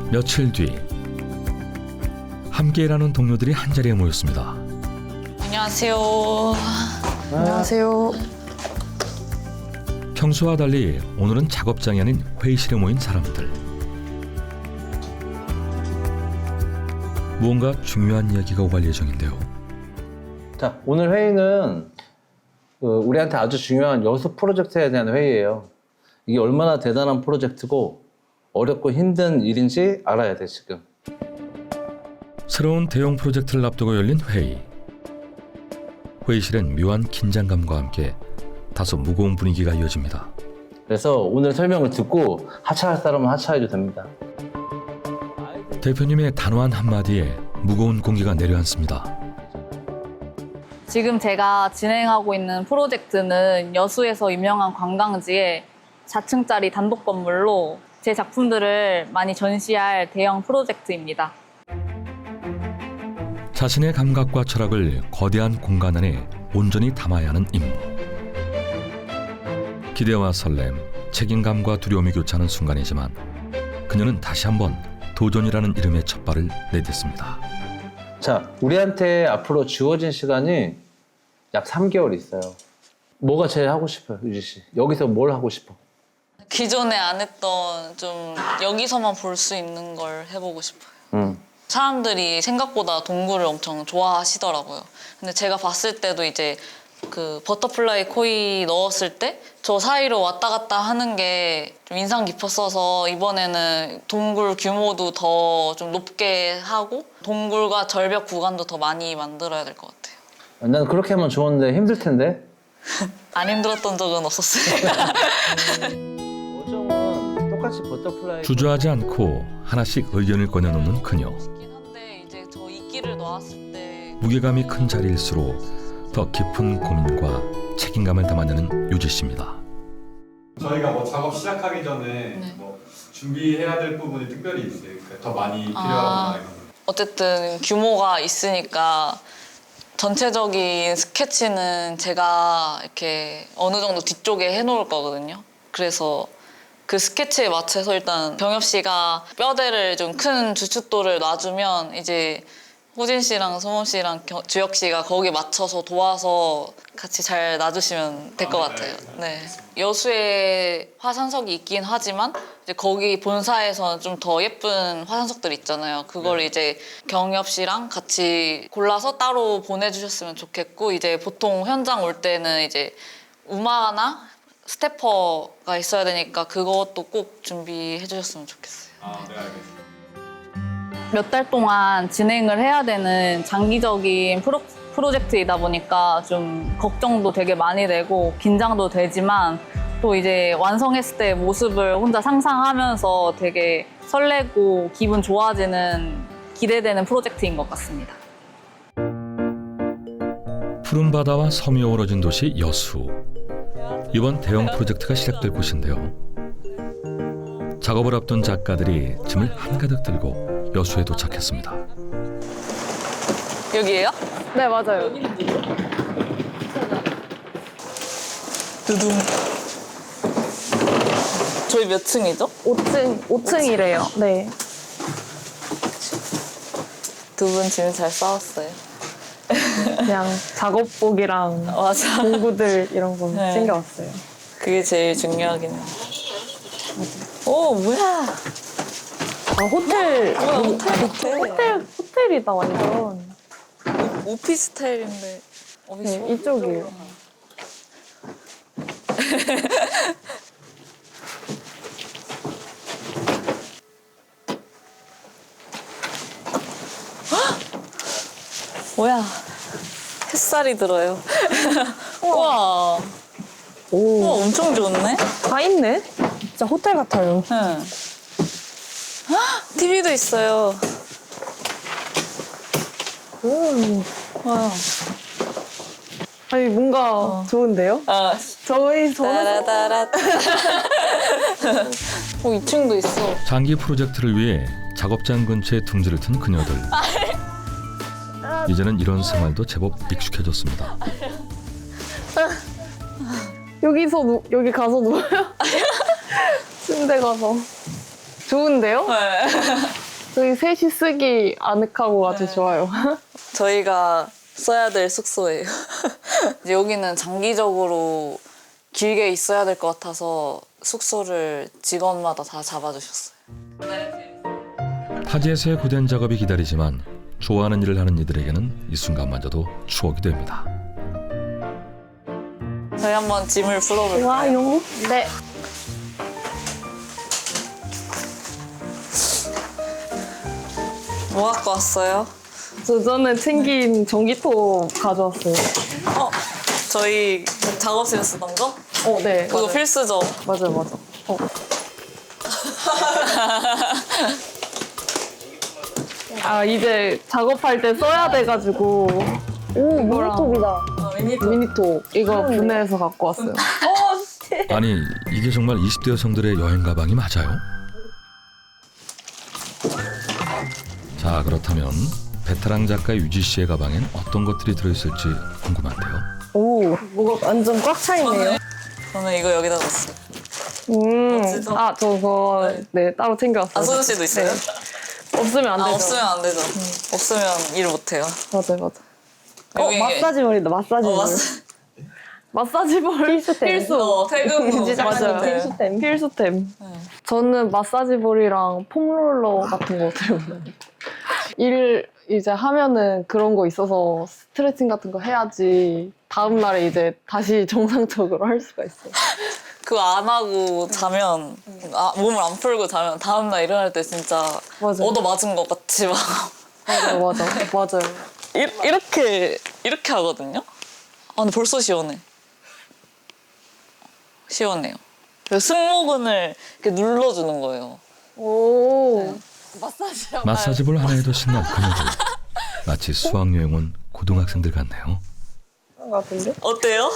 며칠 뒤 함께 일하는 동료들이 한자리에 모였습니다. 안녕하세요. 안녕하세요. 평소와 달리 오늘은 작업장이 아닌 회의실에 모인 사람들. 무언가 중요한 이야기가 오갈 예정인데요. 자, 오늘 회의는 우리한테 아주 중요한 여수 프로젝트에 대한 회의예요. 이게 얼마나 대단한 프로젝트고 어렵고 힘든 일인지 알아야 돼, 지금. 새로운 대형 프로젝트를 앞두고 열린 회의. 회의실엔 묘한 긴장감과 함께 다소 무거운 분위기가 이어집니다. 그래서 오늘 설명을 듣고 하차할 사람은 하차해도 됩니다. 대표님의 단호한 한마디에 무거운 공기가 내려앉습니다. 지금 제가 진행하고 있는 프로젝트는 여수에서 유명한 관광지에 4층짜리 단독 건물로 제 작품들을 많이 전시할 대형 프로젝트입니다. 자신의 감각과 철학을 거대한 공간 안에 온전히 담아야 하는 임무. 기대와 설렘, 책임감과 두려움이 교차하는 순간이지만 그녀는 다시 한번 도전이라는 이름의 첫 발을 내딛습니다. 자, 우리한테 앞으로 주어진 시간이 약 3개월 있어요. 뭐가 제일 하고 싶어요, 유지 씨? 여기서 뭘 하고 싶어? 기존에 안 했던 좀 여기서만 볼 수 있는 걸 해보고 싶어요. 사람들이 생각보다 동굴을 엄청 좋아하시더라고요. 근데 제가 봤을 때도 이제 그 버터플라이 코이 넣었을 때 저 사이로 왔다 갔다 하는 게 좀 인상 깊었어서 이번에는 동굴 규모도 더 좀 높게 하고 동굴과 절벽 구간도 더 많이 만들어야 될 것 같아요. 난 그렇게 하면 좋은데 힘들 텐데. 안 힘들었던 적은 없었어요. 어정은 똑같이 버터플라이 주저하지 않고 하나씩 의견을 꺼내놓는 그녀. 있긴 한데 이제 저 이끼를 놓았을 때 무게감이 큰 자리일수록 더 깊은 고민과 책임감을 담아내는 유지 씨입니다. 저희가 뭐 작업 시작하기 전에 네. 뭐 준비해야 될 부분이 특별히 있어요. 더 많이 필요하거나 이런 거. 어쨌든 규모가 있으니까 전체적인 스케치는 제가 이렇게 어느 정도 뒤쪽에 해놓을 거거든요. 그래서 그 스케치에 맞춰서 일단 병엽 씨가 뼈대를 좀 큰 주춧돌을 놔주면 이제 호진 씨랑 소범 씨랑 주혁 씨가 거기에 맞춰서 도와서 같이 잘 놔주시면 될 것 같아요. 네. 여수에 화산석이 있긴 하지만 이제 거기 본사에서는 좀 더 예쁜 화산석들 있잖아요. 그걸 이제 경엽 씨랑 같이 골라서 따로 보내주셨으면 좋겠고 이제 보통 현장 올 때는 이제 우마나 스태퍼가 있어야 되니까 그것도 꼭 준비해 주셨으면 좋겠어요. 네, 알겠습니다. 몇 달 동안 진행을 해야 되는 장기적인 프로젝트이다 보니까 좀 걱정도 되게 많이 되고 긴장도 되지만 또 이제 완성했을 때 모습을 혼자 상상하면서 되게 설레고 기분 좋아지는 기대되는 프로젝트인 것 같습니다. 푸른 바다와 섬이 어우러진 도시 여수. 이번 대형 프로젝트가 시작될 곳인데요. 작업을 앞둔 작가들이 짐을 한가득 들고 여수에 도착했습니다. 여기예요? 네, 맞아요. 두둥. 저희 몇 층이죠? 5층이래요. 네. 두 분 짐 잘 싸웠어요. 그냥 작업복이랑 맞아. 공구들 이런 거 네. 챙겨왔어요. 그게 제일 중요하긴 해요. 오, 뭐야? 아, 호텔. 뭐야, 호텔. 호텔이다, 완전. 오피스텔인데. 네, 이쪽이에요. 뭐야? 햇살이 들어요. 우와. 오. 우와, 엄청 좋네? 다 있네? 진짜 호텔 같아요. 응. TV도 있어요. 오. 와. 아니, 뭔가 좋은데요? 아, 저는 따라따라. 2층도 있어. 장기 프로젝트를 위해 작업장 근처에 둥지를 튼 그녀들. 이제는 이런 생활도 제법 익숙해졌습니다. 여기 가서 누워요? 침대 가서. 좋은데요? 네. 저희 셋이 쓰기 아늑하고 아주 좋아요. 저희가 써야 될 숙소예요. 이제 여기는 장기적으로 길게 있어야 될 것 같아서 숙소를 직원마다 다 잡아주셨어요. 타지에서의 고된 작업이 기다리지만 좋아하는 일을 하는 이들에게는 이 순간마저도 추억이 됩니다. 저희 한번 짐을 풀어볼까요? 좋아요. 네. 뭐 갖고 왔어요? 저는 챙긴 전기톱 가져왔어요. 저희 작업실에 쓰던 거? 네. 그거 맞아요. 필수죠. 맞아요. 아, 이제 작업할 때 써야 돼가지고. 오, 미니톱이다. 미니톱. 이거 분해해서 갖고 왔어요. 아니 이게 정말 20대 여성들의 여행 가방이 맞아요? 자 그렇다면 베테랑 작가 유지 씨의 가방엔 어떤 것들이 들어있을지 궁금한데요. 오, 뭐가 완전 꽉 차있네요. 저는 이거 여기다 놨어요. 멋지죠? 아, 저거, 네, 따로 챙겨왔어요. 아, 소준 씨도 있어요? 네. 없으면 안 되죠. 없으면 안 되죠. 없으면 일 못해요. 맞아요. 여기- 마사지볼이다, 마사지볼. 마사지볼 필수. 퇴근 후 맞아요. 필수템. 필수템. 저는 마사지볼이랑 폼롤러 같은 거 들고 다녀요. 일 이제 하면은 그런 거 있어서 스트레칭 같은 거 해야지 다음 날에 이제 다시 정상적으로 할 수가 있어요. 그거 안 하고 자면 몸을 안 풀고 자면 다음날 일어날 때 진짜 맞아요. 얻어맞은 것 같이 막 맞아요. 이렇게 하거든요. 아 근데 벌써 시원해요. 그래서 승모근을 이렇게 눌러주는 거예요. 오. 마사지볼 하나에도 신난 그녀들. 마치 수학여행 온 고등학생들 같네요. 같은데? 어때요?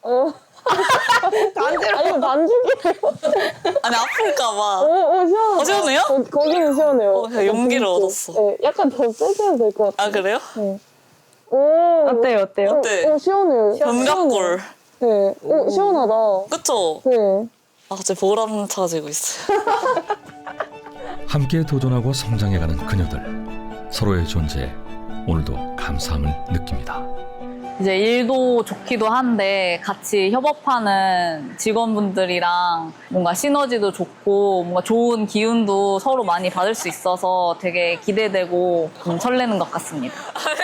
아니, 반죽이에요. 아니 아플까봐. 시원하다. 시원해요? 거기는 시원해요. 제가 용기를 얻었어. 네, 약간 더 세셔도 될 것 같아요. 아 그래요? 오. 어때요? 어때? 시원해요. 견갑골. 네. 시원하다. 그쵸? 네. 아 갑자기 보람 차지고 있어요. 함께 도전하고 성장해가는 그녀들. 서로의 존재에 오늘도 감사함을 느낍니다. 이제 일도 좋기도 한데 같이 협업하는 직원분들이랑 뭔가 시너지도 좋고 뭔가 좋은 기운도 서로 많이 받을 수 있어서 되게 기대되고 설레는 것 같습니다.